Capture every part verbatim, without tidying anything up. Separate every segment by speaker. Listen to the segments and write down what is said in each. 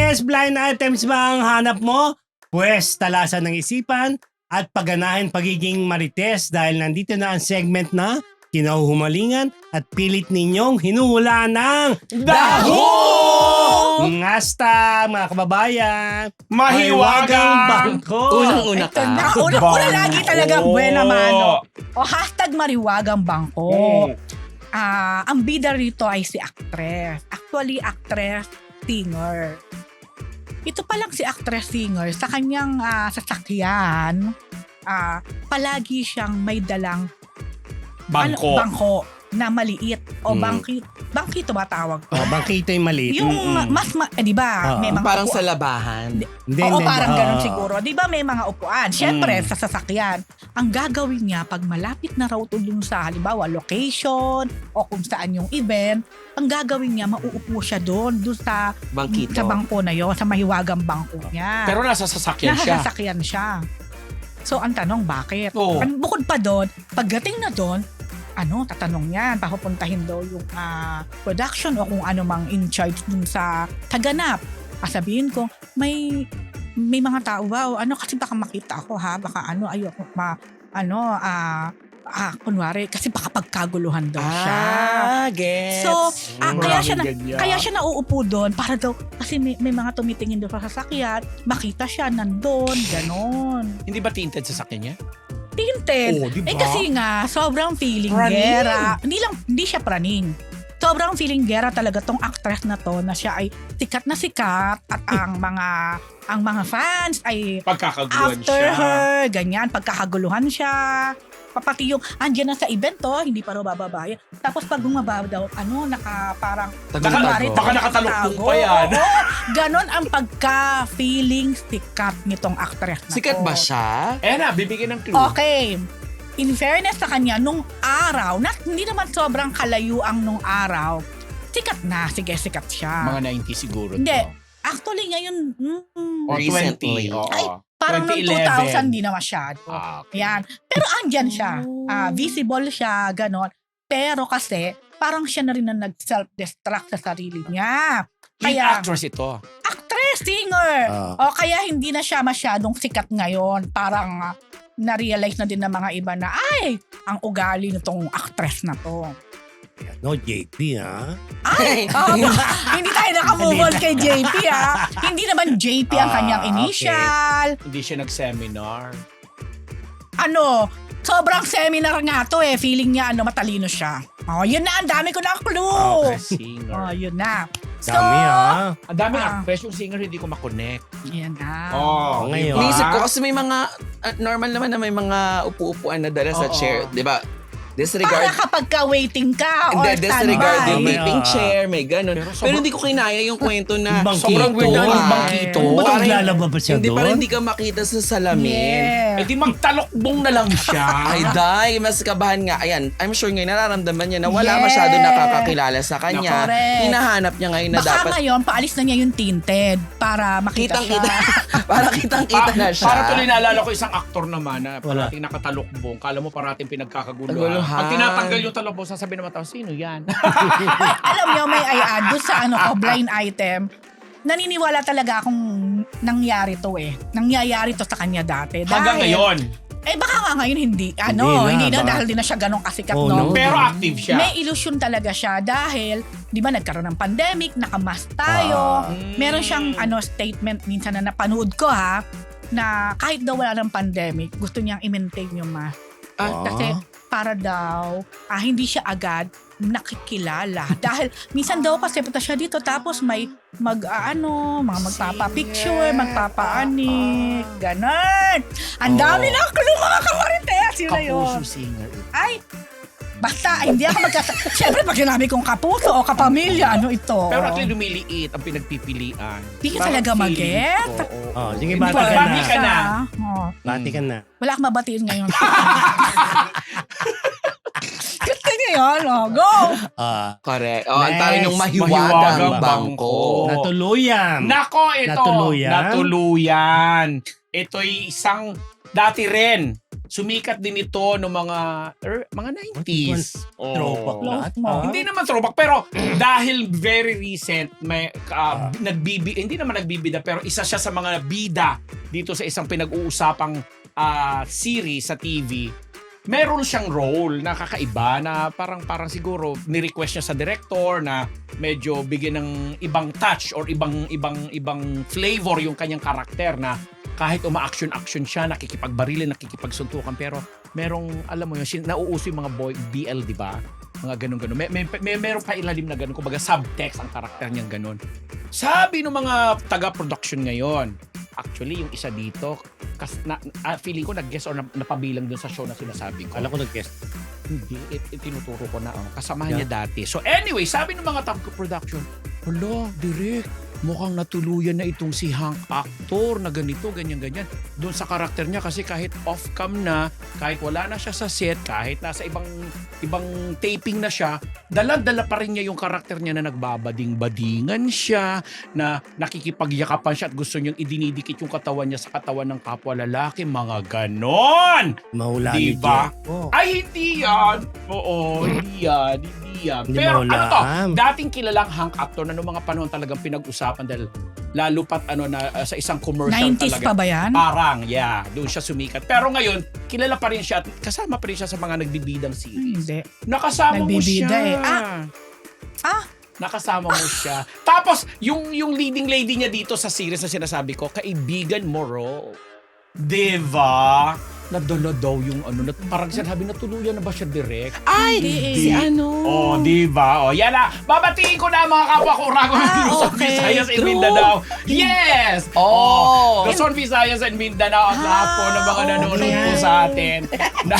Speaker 1: Marites, blind items ba ang hanap mo? Pwes, talasan ng isipan at pagganahin pagiging Marites dahil nandito na ang segment na kinahuhumalingan at pilit ninyong hinuhula ng
Speaker 2: Daho!
Speaker 1: Ngasta, mga kababayan.
Speaker 2: Mahiwagang
Speaker 1: bangko.
Speaker 3: Unang-una
Speaker 4: Ito
Speaker 3: ka.
Speaker 4: na. Una-una lagi talaga buena mano. O hashtag mariwagang bangko.
Speaker 2: Hmm.
Speaker 4: Ah, ang bida rito ay si actress. Actually, actress, singer. Ito pa lang si actress singer sa kanyang ah, sasakyan. Ah, palagi siyang may dalang
Speaker 2: Bangko.
Speaker 4: ano, bangko na maliit o
Speaker 1: Hmm.
Speaker 4: bangki bangkito ba tawag ko?
Speaker 1: Oh, bangkito yung maliit.
Speaker 4: Yung
Speaker 1: Mm-mm.
Speaker 4: mas ma- eh, di ba?
Speaker 1: Oo.
Speaker 4: May mga
Speaker 3: Parang
Speaker 4: upuan.
Speaker 3: sa labahan.
Speaker 1: Hindi,
Speaker 4: Oo,
Speaker 1: hindi,
Speaker 4: parang
Speaker 1: oo.
Speaker 4: ganun siguro. Di ba may mga upuan? Siyempre,
Speaker 1: Mm.
Speaker 4: sa sasakyan, ang gagawin niya pag malapit na raw to dun sa halimbawa location o kung saan yung event, ang gagawin niya, mauupo siya doon, doon sa,
Speaker 3: Bangkito.
Speaker 4: sa bangko na yon, sa mahiwagang bangko niya.
Speaker 2: Pero nasa sasakyan siya.
Speaker 4: Nakasasakyan siya. So, ang tanong, bakit?
Speaker 2: Oo.
Speaker 4: Ang bukod pa doon, pagdating na doon, ano, tatanong yan, papupuntahin daw yung ah, production o kung ano mang in charge dun sa taganap. Sabihin ko, may may mga tao, wow, ano, kasi baka makita ako ha, baka ano, ayoko, ma, ano, ah, ah, kunwari, kasi baka pagkaguluhan daw siya.
Speaker 3: Ah, gets.
Speaker 4: So, ah,
Speaker 2: Mm,
Speaker 4: kaya siya na,
Speaker 2: maraming ganyan.
Speaker 4: kaya siya nauupo doon para daw, kasi may, may mga tumitingin doon sa sasakyan, makita siya nandun, ganon.
Speaker 2: Hindi ba tinted sa sakyan niya?
Speaker 4: Tinted.
Speaker 2: Oo, di ba?
Speaker 4: Eh kasi nga, sobrang feeling
Speaker 2: Praning.
Speaker 4: gera. Hindi lang, hindi siya praning. Sobrang feeling gera talaga tong actress na to na siya ay sikat na sikat at ang mga ang mga fans ay
Speaker 2: Pagkakaguluhan
Speaker 4: after
Speaker 2: siya.
Speaker 4: her, ganyan, pagkakaguluhan siya. Papati yung, andyan na sa event to, hindi pa raw bababa yan. Tapos pag bumaba daw, ano, naka parang,
Speaker 3: Tagal
Speaker 2: Baka,
Speaker 4: kunwari,
Speaker 2: baka nakatalukbong
Speaker 4: tago.
Speaker 2: pa yan.
Speaker 4: Oo, ganon ang pagka-feeling sikat nitong actress na
Speaker 3: Sikat
Speaker 4: to.
Speaker 3: ba siya?
Speaker 2: Eh na, bibigyan ng clue.
Speaker 4: Okay. In fairness sa kanya, nung araw, na, hindi naman sobrang kalayuang nung araw, sikat na. Sige, sikat siya.
Speaker 2: Mga ninety siguro
Speaker 4: Hindi.
Speaker 2: to.
Speaker 4: Actually, ngayon, mm,
Speaker 2: O
Speaker 3: Recently.
Speaker 2: twenty. Oo.
Speaker 4: Ay, parang noong two thousand, di na masyado.
Speaker 2: Ah, okay.
Speaker 4: Yan. Pero andyan siya.
Speaker 3: Oh.
Speaker 4: Ah, visible siya, ganon. Pero kasi, parang siya na rin na nag-self-destruct sa sarili niya.
Speaker 2: Lead
Speaker 4: Kaya,
Speaker 2: actress ito.
Speaker 4: actress, singer.
Speaker 1: Ah.
Speaker 4: O kaya hindi na siya masyadong sikat ngayon. Parang ah, na-realize na din ng mga iba na, ay, ang ugali nitong actress na to.
Speaker 1: No, J P, ha?
Speaker 4: Ay, ah, hindi tayo nakamove on kay J P ha. Hindi naman J P ang
Speaker 1: Ah,
Speaker 4: kanyang
Speaker 1: okay.
Speaker 4: initial.
Speaker 2: Hindi siya nag-seminar.
Speaker 4: Ano, sobrang seminar nga to eh. Feeling niya ano, matalino siya. Oh, yun na, ang dami ko na clue.
Speaker 2: Okay, singer.
Speaker 4: Oh, yun na. So,
Speaker 1: Dami, ha?
Speaker 2: Ang daming
Speaker 4: Ah.
Speaker 2: actress, yung singer hindi ko makonect.
Speaker 4: yan na.
Speaker 2: Oh,
Speaker 1: ngayon.
Speaker 2: diba?
Speaker 3: Naisip ko kasi may mga, ah, normal naman na may mga upu-upuan na dala sa
Speaker 2: Oo.
Speaker 3: chair. Di ba?
Speaker 4: Para
Speaker 3: Disregard.
Speaker 4: kapag ka-waiting ka or
Speaker 3: Hindi, disregard yung
Speaker 4: standby.
Speaker 1: May-
Speaker 3: vaping
Speaker 1: ah.
Speaker 3: chair, may ganun.
Speaker 2: Pero
Speaker 3: Pero,
Speaker 2: sobrang-
Speaker 3: hindi ko kinaya yung kwento na
Speaker 1: Bangkito.
Speaker 2: Sobrang weird na yung
Speaker 3: Ay.
Speaker 2: bangkito.
Speaker 1: Ba't
Speaker 3: Parang-
Speaker 1: naglalaba pa siya
Speaker 3: hindi
Speaker 1: doon?
Speaker 3: parang hindi ka makita sa salamin.
Speaker 4: Yeah.
Speaker 2: Eh di magtalokbong na lang siya.
Speaker 3: Ay, day, mas kabahan nga. Ayan, I'm sure ngayon nararamdaman niya na wala
Speaker 4: Yes.
Speaker 3: masyado nakakakilala sa kanya.
Speaker 4: Correct.
Speaker 3: Hinahanap niya ngayon na
Speaker 4: Baka
Speaker 3: dapat
Speaker 4: ngayon, paalis na niya yung tinted para makita
Speaker 3: kitang-kita.
Speaker 4: siya.
Speaker 3: para kitang-kita na siya.
Speaker 2: Para tuloy naalala ko isang aktor naman na
Speaker 1: Wala.
Speaker 2: parating nakatalokbong. Kala mo parating pinagkakaguluhan.
Speaker 3: Kaguluhan.
Speaker 2: Pag tinatanggal yung talokbong, sasabihin naman tao, sino yan?
Speaker 4: Ay, alam niyo, may I add doon sa ano ko, blind item. Naniniwala talaga akong nangyari to eh. Nangyayari to sa kanya dati.
Speaker 2: Hanggang
Speaker 4: Dahil-
Speaker 2: ngayon.
Speaker 4: Eh baka nga ngayon hindi. Ano,
Speaker 1: Hindi
Speaker 4: hindi
Speaker 1: na,
Speaker 4: na,
Speaker 1: baka-
Speaker 4: dahil di na siya ganong kasikat,
Speaker 1: Oh,
Speaker 4: no?
Speaker 1: no.
Speaker 2: Pero active siya.
Speaker 4: May illusion talaga siya dahil, di ba nagkaroon ng pandemic, nakamask tayo.
Speaker 1: Ah.
Speaker 4: Meron siyang ano statement minsan na napanood ko ha, na kahit daw wala ng pandemic, gusto niyang i-maintain yung mask.
Speaker 1: Ah.
Speaker 4: Kasi para daw, ah, hindi siya agad nakikilala. Dahil minsan daw kasi punta siya dito tapos may mag ah, ano, mga magpapa-picture, magpapaanik, ganun. Ang dami
Speaker 1: Oh.
Speaker 4: na clue mga kamarites. Yun na yun.
Speaker 2: Kapuso singer.
Speaker 4: Ay, basta, ay, hindi ako magkasa... Siyempre, pag sinabi kong kapuso o kapamilya, ano ito?
Speaker 2: Pero at least lumiliit ang pinagpipilian.
Speaker 4: Di ka
Speaker 2: Parang
Speaker 4: talaga
Speaker 2: feeling
Speaker 4: mag-get?
Speaker 2: ko, oo.
Speaker 1: Oh, sige,
Speaker 2: Hindi
Speaker 1: bati
Speaker 2: pa-
Speaker 1: ka
Speaker 2: bati
Speaker 1: na.
Speaker 2: ka na.
Speaker 4: Oh,
Speaker 1: Bati ka na.
Speaker 4: wala akong mabatiin ngayon. Gusto niyo yun? Oh, go!
Speaker 1: Ah,
Speaker 3: Correct. Oh, ang
Speaker 1: Next.
Speaker 3: tawag ng mahiwagang
Speaker 2: Mahiwagang
Speaker 3: bangko.
Speaker 2: bangko.
Speaker 1: natuluyan.
Speaker 2: Nako, ito.
Speaker 1: Natuluyan?
Speaker 2: Natuluyan. Ito'y isang, dati rin, sumikat din ito ng mga er, mga nineties. Oh.
Speaker 1: Throwback lahat.
Speaker 4: Mo.
Speaker 1: ah.
Speaker 2: Hindi naman throwback, pero dahil very recent, may uh, nagbibi, hindi naman nagbibida, pero isa siya sa mga bida dito sa isang pinag-uusapang uh, series sa T V. Meron siyang role na kakaiba na parang parang siguro ni-request niya sa director na medyo bigyan ng ibang touch or ibang ibang ibang flavor yung kanyang karakter na kahit uma-action-action siya, nakikipagbarilin, nakikipagsuntukan, pero merong, alam mo yun, sin- nauuso yung mga boy, B L, di ba? Mga ganun-ganun. May, may, may, merong pa ilalim na ganun, kumbaga subtext ang karakter niyang ganun. Sabi ng mga taga-production ngayon, actually, yung isa dito, kas, na, ah, feeling ko nag-guess or na, napabilang dun sa show na sinasabi ko.
Speaker 1: Alam ko nag-guest.
Speaker 2: Hindi, it, it, tinuturo ko na. Oh. Kasamahan niya dati. So anyway, sabi ng mga taga-production, hala, direct, mukhang natuluyan na itong si Hank actor na ganito, ganyan-ganyan. Doon sa karakter niya kasi kahit off-cam na, kahit wala na siya sa set, kahit nasa ibang ibang taping na siya, dala-dala pa rin niya yung karakter niya na nagbabading-badingan siya, na nakikipagyakapan siya at gusto niyang idinidikit yung katawan niya sa katawan ng kapwa lalaki. Mga ganon!
Speaker 1: Mahula
Speaker 2: Diba?
Speaker 1: ni Jeff. Oh.
Speaker 2: Ay, hindi yan! Oo, hindi yan. Hindi yan.
Speaker 1: Hindi
Speaker 2: Pero ano to?
Speaker 1: mahulaan.
Speaker 2: Dating kilalang Hank actor na noong mga panahon talagang pinag-usapan dahil lalo pat ano na uh, sa isang commercial
Speaker 4: nineties
Speaker 2: talaga.
Speaker 4: pa ba yan?
Speaker 2: Parang, yeah. Doon siya sumikat. Pero ngayon, kilala pa rin siya at kasama pa rin siya sa mga nagbibidang series.
Speaker 4: Hindi.
Speaker 2: Nakasama mo siya.
Speaker 4: Nagbibida eh. Ah! Ah!
Speaker 2: Nakasama mo siya. Tapos, yung yung leading lady niya dito sa series na sinasabi ko, kaibigan mo, Ro. Diba? Nadala daw yung ano, na, parang sinabi na tuluyan na ba siya direct?
Speaker 3: Ay,
Speaker 4: Hindi.
Speaker 3: si ano?
Speaker 2: Oh, di ba? Oh, yan na. Babatiin ko na ang mga kapwa ko Urago ng
Speaker 3: Ah,
Speaker 2: Luzon,
Speaker 3: okay.
Speaker 2: Visayas and
Speaker 3: True.
Speaker 2: Mindanao. Yes!
Speaker 3: Oh.
Speaker 2: Luzon, Visayas and Mindanao at lahat po ng mga
Speaker 4: Ah,
Speaker 2: nanonood
Speaker 4: okay.
Speaker 2: po sa atin. Na,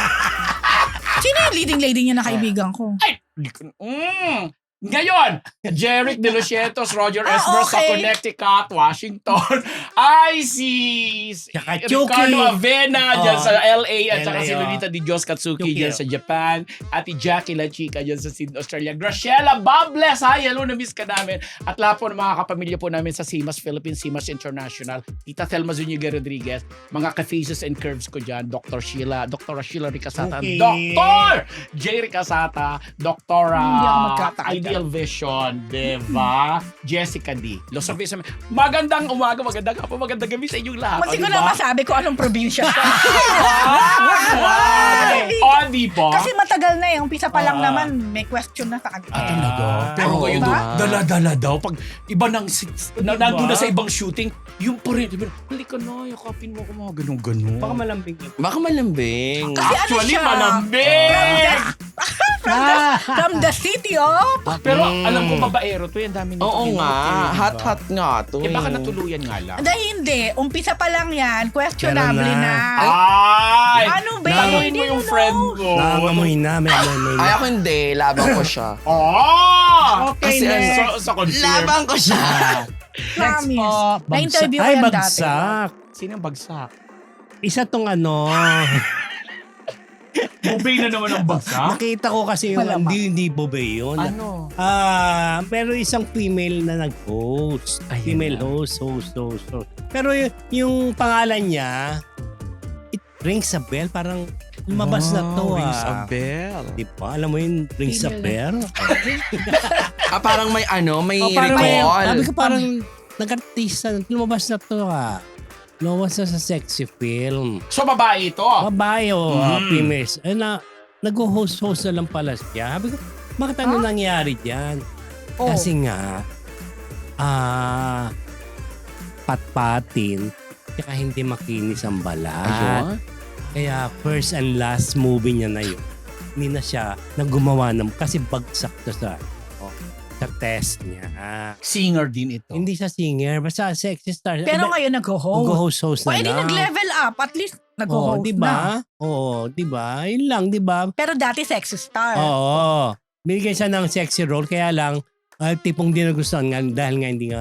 Speaker 4: Sino yung leading lady niya na kaibigan ko?
Speaker 2: ay, di ko- mm. Ngayon, Jeric De Lucietos, Roger
Speaker 4: Ah,
Speaker 2: Esmer sa
Speaker 4: okay.
Speaker 2: Connecticut, Washington. I see
Speaker 1: Tsaka
Speaker 2: Ricardo
Speaker 1: Chucky.
Speaker 2: Avena dyan
Speaker 1: Oh.
Speaker 2: sa L A at saka
Speaker 1: L A,
Speaker 2: si
Speaker 1: oh.
Speaker 2: Lolita Di Diyos Katsuki
Speaker 1: Chucky,
Speaker 2: dyan
Speaker 1: oh.
Speaker 2: sa Japan. Ati Jackie La Chica dyan sa Sydney, Australia. Graciela Bables, hi, hello, na-miss ka namin. At lahat po ng mga kapamilya po namin sa Simas Philippines, Simas International. Tita Thelma Zuniga Rodriguez, mga ka-faces and curves ko dyan, Doctor Sheila, Doctor Sheila Ricasata,
Speaker 1: Okay.
Speaker 2: Doctor J. Ricasata, Doctor
Speaker 4: Hindi ako magkatagal.
Speaker 2: Ideal Vision, diba? Jessica D. Los Service. Magandang umaga, magandang hapon, magandang gabi sa inyong lahat.
Speaker 4: Munti
Speaker 2: O,
Speaker 4: ko
Speaker 2: diba?
Speaker 4: na masabi ko anong probinsya siya.
Speaker 2: Wow! O, diba?
Speaker 4: Kasi matagal na eh. Umpisa pa lang
Speaker 2: Ah.
Speaker 4: naman, may question na sa kanya.
Speaker 2: Ah, talaga. Pero
Speaker 3: Oo,
Speaker 2: ngayon,
Speaker 4: diba?
Speaker 2: dala-dala daw. Pag iba nang, si- na,
Speaker 1: Diba?
Speaker 2: nandun na sa ibang shooting, yung pa rin, diba, halika na, yakapin mo ako mga ganun-ganun.
Speaker 1: Baka malambing yun.
Speaker 3: Baka malambing.
Speaker 4: Kasi ano
Speaker 2: Actually,
Speaker 4: siya?
Speaker 2: malambing!
Speaker 1: Ah!
Speaker 4: From the city of...
Speaker 2: Pero
Speaker 1: Mm.
Speaker 2: alam ko, babaero to, yan dami nito.
Speaker 3: Oo
Speaker 2: pinuti,
Speaker 3: nga.
Speaker 2: diba?
Speaker 3: Hot-hot nga to.
Speaker 2: Eh, baka
Speaker 3: eh.
Speaker 2: natuluyan nga lang.
Speaker 4: Dahil hindi. Umpisa pa lang yan. Questionable
Speaker 1: Pero
Speaker 4: na.
Speaker 1: na.
Speaker 2: Ay!
Speaker 4: Ano ba?
Speaker 2: Tanungin mo
Speaker 4: Hindi
Speaker 2: yung
Speaker 4: mo
Speaker 2: friend
Speaker 4: know.
Speaker 2: ko.
Speaker 1: Nangangamoy na. May amoy
Speaker 3: Ay,
Speaker 1: na.
Speaker 3: ako hindi. Labang ko siya.
Speaker 2: Oh!
Speaker 1: Okay,
Speaker 3: Kasi
Speaker 1: next.
Speaker 2: Sa, sa confirm.
Speaker 3: Labang ko siya.
Speaker 1: Next
Speaker 4: Promise.
Speaker 1: po.
Speaker 4: Na-interview ko
Speaker 1: Ay,
Speaker 4: yan dati.
Speaker 1: bagsak.
Speaker 2: Sino yung bagsak?
Speaker 1: Isa tong ano.
Speaker 2: Bubay na naman ang bagsak?
Speaker 1: Nakita ko kasi yung
Speaker 4: Malamang.
Speaker 1: hindi, hindi bobe yun.
Speaker 2: Ano?
Speaker 1: Ah, pero isang female na nag-host.
Speaker 2: Ayun
Speaker 1: Female
Speaker 2: na.
Speaker 1: host, host, host, host. Pero y- yung pangalan niya, it rings a bell. Parang lumabas na to
Speaker 3: Rings
Speaker 1: ah.
Speaker 3: a bell.
Speaker 1: Di ba? Alam mo yun, rings a bell?
Speaker 3: Ah, parang may ano, may
Speaker 1: Oh, parang may,
Speaker 3: recall.
Speaker 1: sabi ko parang nag-artista, lumabas na to ah. Lumabas na sa sexy film.
Speaker 2: So, babae ito.
Speaker 1: Babae o uh,
Speaker 2: Mm.
Speaker 1: females. Eh na, nag-host-host na lang pala siya. Sabi ko, bakit ano nangyari dyan?
Speaker 4: Oh.
Speaker 1: Kasi nga, ah, patpatin, kaya hindi makinis ang balat.
Speaker 3: Ayun.
Speaker 1: Kaya first and last movie niya na yun. Hindi na siya naggumawa ng, kasi bagsak to sa, oh, sa test niya.
Speaker 2: Singer din ito.
Speaker 1: Hindi siya singer, basta sexy star.
Speaker 4: Pero
Speaker 1: Iba-
Speaker 4: ngayon nag-host.
Speaker 1: Nag-host-host
Speaker 4: O,
Speaker 1: na
Speaker 4: edi
Speaker 1: lang.
Speaker 4: nag-level up. At least
Speaker 1: Oo,
Speaker 4: nag-host
Speaker 1: di
Speaker 4: na.
Speaker 1: ba? Oo, di ba? Yun lang, di ba?
Speaker 4: Pero dati sexy star.
Speaker 1: Oo. Binigyan siya ng sexy role, kaya lang, ah, tipong di nagustuhan nga dahil nga hindi nga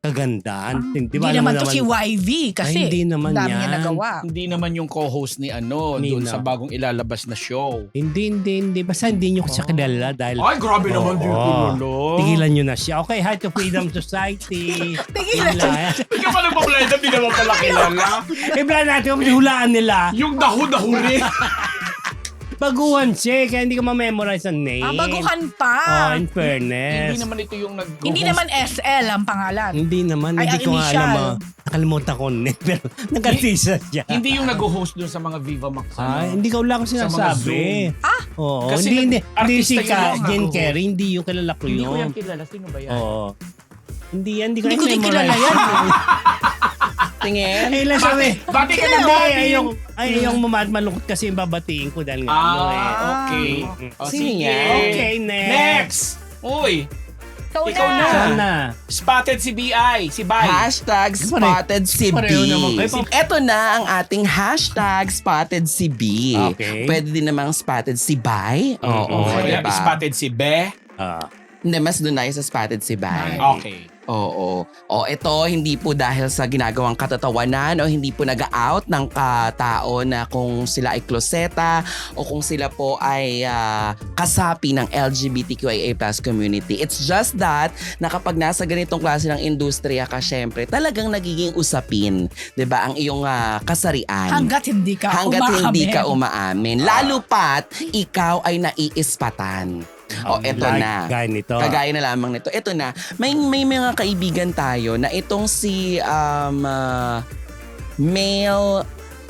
Speaker 1: kagandahan.
Speaker 4: Ah,
Speaker 1: Di
Speaker 4: Hindi
Speaker 1: ba, alam mo
Speaker 4: naman to si Y V kasi
Speaker 1: Ay, hindi naman
Speaker 4: dami
Speaker 1: yan.
Speaker 4: niya nagawa.
Speaker 2: Hindi naman yung co-host ni ano, doon
Speaker 1: Nina.
Speaker 2: sa bagong ilalabas na show.
Speaker 1: Hindi, hindi, hindi. Basta hindi nyo siya kilala dahil
Speaker 2: Ay, grabe naman
Speaker 1: Oo.
Speaker 2: yung kilala.
Speaker 1: tigilan nyo na siya. Okay, hi to Freedom Society.
Speaker 4: Tigilan.
Speaker 1: Tigilan.
Speaker 2: Hindi ka pa nagpa-blend, hindi naman pala kilala.
Speaker 1: Ibla natin kung hulaan nila.
Speaker 2: Yung daho-daho rin.
Speaker 1: Baguhan siya, kaya hindi ko ma-memorize ang name.
Speaker 4: Ah, baguhan
Speaker 1: Oh,
Speaker 4: pa.
Speaker 1: in fairness.
Speaker 2: Hindi naman ito yung nag
Speaker 4: Hindi naman S L ang pangalan.
Speaker 1: Hindi naman,
Speaker 4: Ay,
Speaker 1: hindi
Speaker 4: ang
Speaker 1: ko nga
Speaker 4: initial.
Speaker 1: alam. ah. Nakalimutan ko na pero nag-artista siya.
Speaker 2: Hindi yung nag-host doon sa mga Viva Max.
Speaker 1: Ah,
Speaker 2: ano.
Speaker 1: hindi ko lang ko
Speaker 2: Sa mga
Speaker 1: sinasabi.
Speaker 4: Ah?
Speaker 1: Oo,
Speaker 2: Kasi
Speaker 1: hindi, hindi,
Speaker 2: nag-
Speaker 1: hindi si
Speaker 2: artista yun
Speaker 1: Ka,
Speaker 2: yung
Speaker 1: Jen
Speaker 2: nag-host.
Speaker 1: Kerry, hindi yung kilala ko
Speaker 2: Hindi ko yan
Speaker 1: yun.
Speaker 2: kilala. Sino ba yan?
Speaker 1: Oo. Hindi yan, hindi ko
Speaker 4: Hindi ko din
Speaker 1: memorize.
Speaker 4: kilala yan.
Speaker 3: Tingin.
Speaker 1: Ay, lang sabi.
Speaker 2: Bati ka na
Speaker 1: Hindi,
Speaker 2: Bobby.
Speaker 1: ay, yung, ay, yung mamat malungkot kasi yung babatiin ko dahil nga. ano eh.
Speaker 2: Ah, okay.
Speaker 1: Mm.
Speaker 2: Oh,
Speaker 3: Sino
Speaker 2: sige.
Speaker 3: yan?
Speaker 1: Okay, next.
Speaker 2: Next. Uy,
Speaker 4: Ikaw
Speaker 2: Ikaw
Speaker 4: na.
Speaker 2: na.
Speaker 1: Sana.
Speaker 2: spotted si B I, si Bay.
Speaker 3: Hashtag spotted si B.
Speaker 1: Pareho naman kayo.
Speaker 3: Ito na ang ating hashtag spotted si B.
Speaker 1: Okay.
Speaker 3: Pwede din namang spotted si Bay. Oo,
Speaker 2: Okay,
Speaker 3: diba?
Speaker 2: spotted si Be.
Speaker 1: Ah.
Speaker 3: Hindi, mas doon tayo sa spotted si Bay.
Speaker 2: Okay.
Speaker 3: Oo. O ito, hindi po dahil sa ginagawang katatawanan o hindi po nag-out ng katao na kung sila ay kloseta o kung sila po ay ah, kasapi ng L G B T Q I A plus community. It's just that na kapag nasa ganitong klase ng industriya ka, syempre, talagang nagiging usapin, 'di ba, ang iyong ah, kasarian.
Speaker 4: Hanggat hindi ka
Speaker 3: Hanggat hindi
Speaker 4: umaamin.
Speaker 3: ka umaamin. Lalo pat, ikaw ay naiispatan. O, eto
Speaker 1: Like,
Speaker 3: na.
Speaker 1: Gaya nito.
Speaker 3: Kagaya na lamang nito. Ito na, may may mga kaibigan tayo na itong si um, ah, male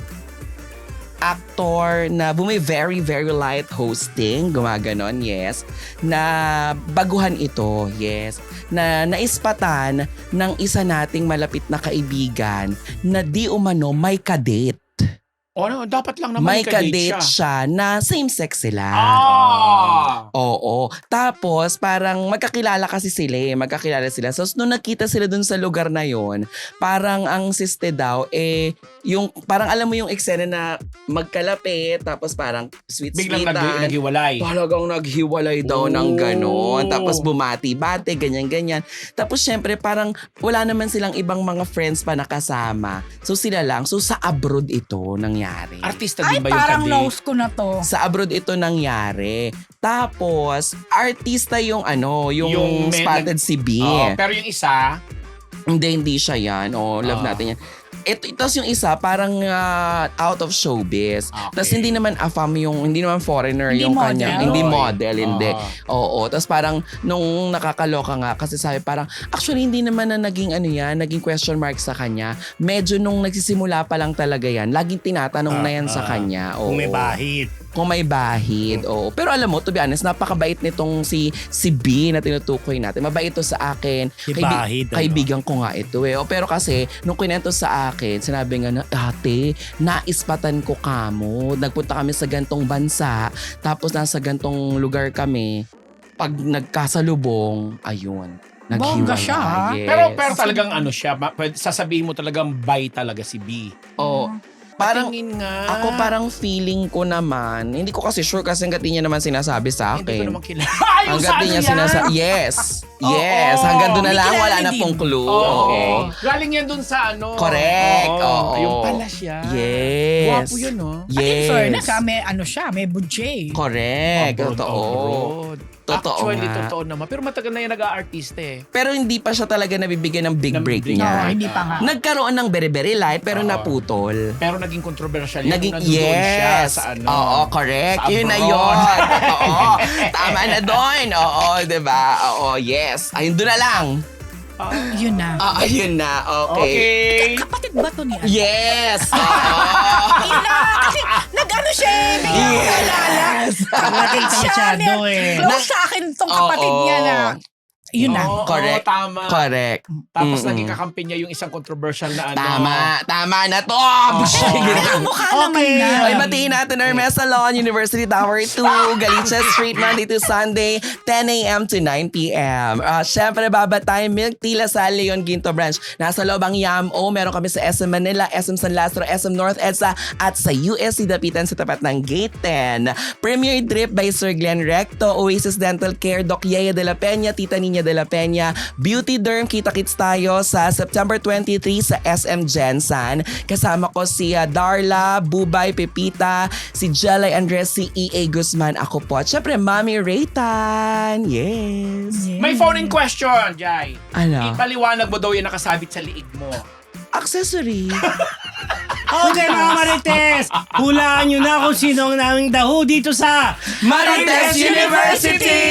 Speaker 3: actor na bumi very very light hosting, gumaganon, yes, na baguhan ito, yes, na naispatan ng isa nating malapit na kaibigan na di umano may kadate.
Speaker 2: O, ano, dapat lang naman
Speaker 3: May
Speaker 2: kadate
Speaker 3: kadate
Speaker 2: siya.
Speaker 3: siya na same-sex sila.
Speaker 2: Ah!
Speaker 3: Oo. Tapos, parang magkakilala kasi sila eh. Magkakilala sila. So, nung nakita sila dun sa lugar na yon, parang ang siste daw, eh, yung, parang alam mo yung eksena na magkalapit, tapos parang sweet-sweetan.
Speaker 2: Biglang nag- naghiwalay.
Speaker 3: Talagang naghiwalay daw ng
Speaker 2: Oh.
Speaker 3: ganon. Tapos bumati-bati, ganyan-ganyan. Tapos syempre parang wala naman silang ibang mga friends pa nakasama. So sila lang. So sa abroad ito nangyari.
Speaker 2: Artista
Speaker 4: Ay,
Speaker 2: din ba yung
Speaker 4: parang
Speaker 2: kadate?
Speaker 4: nose ko na to.
Speaker 3: Sa abroad ito nangyari. Tapos, artista yung ano, yung,
Speaker 2: Yung may-
Speaker 3: spotted si B.
Speaker 2: Oo, pero yung isa,
Speaker 3: Hindi, hindi siya yan. O, love
Speaker 2: Ah.
Speaker 3: natin yan. Ito, tapos yung isa, parang ah, out of showbiz.
Speaker 2: Okay.
Speaker 3: Tapos hindi naman afam yung, hindi naman foreigner
Speaker 4: Hindi
Speaker 3: yung
Speaker 4: model.
Speaker 3: kanya. Hindi
Speaker 2: Oy.
Speaker 3: model, hindi.
Speaker 2: Ah.
Speaker 3: Oo. Tapos parang nung nakakaloka nga, kasi sabi parang, actually hindi naman na naging ano yan, naging question mark sa kanya. Medyo nung nagsisimula pa lang talaga yan, laging tinatanong na yan sa
Speaker 1: Ah,
Speaker 3: kanya. Oo.
Speaker 1: Kung may bahid.
Speaker 3: Kung may bahid, oo. Pero alam mo, to be honest, napakabait nitong si si B na tinutukoy natin. Mabait to sa akin.
Speaker 1: Si
Speaker 3: Kaibi-
Speaker 1: bahid. ano?
Speaker 3: Kaibigan ko nga ito eh. O, pero kasi, nung kinento sa akin, sinabi nga na, ate, naispatan ko kamo. Nagpunta kami sa gantong bansa, tapos nasa gantong lugar kami. Pag nagkasalubong, ayun.
Speaker 4: Bongga
Speaker 3: Naghiwalay.
Speaker 4: siya, ha?
Speaker 3: Yes.
Speaker 2: pero pero talagang ano siya, ma- pwede- sasabihin mo talagang bye talaga si B.
Speaker 3: Oo. Parang,
Speaker 2: Patingin nga.
Speaker 3: ako parang feeling ko naman, hindi ko kasi sure kasi hanggat di niya naman sinasabi sa
Speaker 2: Hindi ko
Speaker 3: akin.
Speaker 2: naman kilala. Ay, yung sa
Speaker 3: Hanggat
Speaker 2: ano
Speaker 3: di niya
Speaker 2: yan?
Speaker 3: sinasabi. Yes.
Speaker 2: Oo.
Speaker 3: Yes. Hanggang doon na
Speaker 4: Hindi
Speaker 3: lang.
Speaker 4: kilala
Speaker 3: Wala
Speaker 4: ni
Speaker 3: na
Speaker 4: Dean.
Speaker 3: pong clue.
Speaker 2: Oo.
Speaker 3: Okay.
Speaker 2: Galing yan dun sa ano.
Speaker 3: Correct. Oo.
Speaker 2: Yung pala siya.
Speaker 3: Yes.
Speaker 2: Gwapo yun, no?
Speaker 4: At in
Speaker 3: Yes.
Speaker 4: fairness, ha, may ano siya, may budget.
Speaker 3: Correct.
Speaker 2: Abroad,
Speaker 3: Totoo.
Speaker 2: abroad.
Speaker 3: Totoo
Speaker 2: Actually,
Speaker 3: nga.
Speaker 2: totoo naman. Pero matagal na yan nag-a-artiste eh.
Speaker 3: Pero hindi pa siya talaga nabibigyan ng big
Speaker 2: Ng
Speaker 3: break
Speaker 2: big-
Speaker 4: No,
Speaker 3: niya.
Speaker 4: hindi pa nga.
Speaker 3: Nagkaroon ng very-very light pero
Speaker 2: Oo.
Speaker 3: naputol.
Speaker 2: Pero naging controversial yan.
Speaker 3: Naging,
Speaker 2: Nung nandoon siya
Speaker 3: yes.
Speaker 2: sa ano.
Speaker 3: Oo, correct.
Speaker 2: sa
Speaker 3: Yun na
Speaker 2: abroad.
Speaker 3: yun. Oo. Tama na doon. Oo, diba? Oo, yes. Ayun, doon na lang.
Speaker 2: Ah,
Speaker 4: Yun na.
Speaker 3: Ah, ayun na. Okay.
Speaker 2: okay.
Speaker 4: Kapatid ba to ni ano?
Speaker 3: Yes. Oo.
Speaker 4: Yun na, kasi nag-ano siya, eh, hindi niya ako kalala.
Speaker 1: Kapatid
Speaker 4: Siya,
Speaker 1: masyado eh.
Speaker 4: Close sa akin tong kapatid
Speaker 3: Oo.
Speaker 4: niya na. Yun na.
Speaker 2: Oo,
Speaker 3: Correct.
Speaker 2: oo, tama.
Speaker 3: Correct.
Speaker 2: Tapos
Speaker 3: Mm-mm.
Speaker 2: naging kakampi niya yung isang controversial na ano.
Speaker 3: Tama. Tama na to.
Speaker 4: Pero mukha naman
Speaker 1: Okay.
Speaker 4: na.
Speaker 3: Ay, batiin natin Hermes Salon, University Tower two, Galicia Street, Monday to Sunday, ten a.m. to nine p.m. Uh, Siyempre, babatay Milk Tea Lasal, Leon Ginto Branch. Nasa loob ang Yam-O. Meron kami sa S M Manila, S M San Lázaro, S M North EDSA, at sa U S C Dapitan sa tapat ng Gate ten. Premier Drip by Sir Glenn Recto, Oasis Dental Care, Doc Yaya de la Peña, Tita Nina Maria de la Peña Beauty Derm. Kita-kits tayo sa September twenty-three sa S M Jensen. Kasama ko si uh, Darla, Bubay, Pepita, si Jelay Andres, si E A Guzman. Ako po. At syempre, Mami Raytan. Yes.
Speaker 4: Yeah.
Speaker 2: May phone-in question, Jai.
Speaker 3: Ano?
Speaker 2: Ipaliwanag mo daw yung nakasabit sa liig mo.
Speaker 3: Accessory.
Speaker 1: Okay mga Marites, hulaan nyo na kung sino ang naming daho dito sa
Speaker 3: Marites University!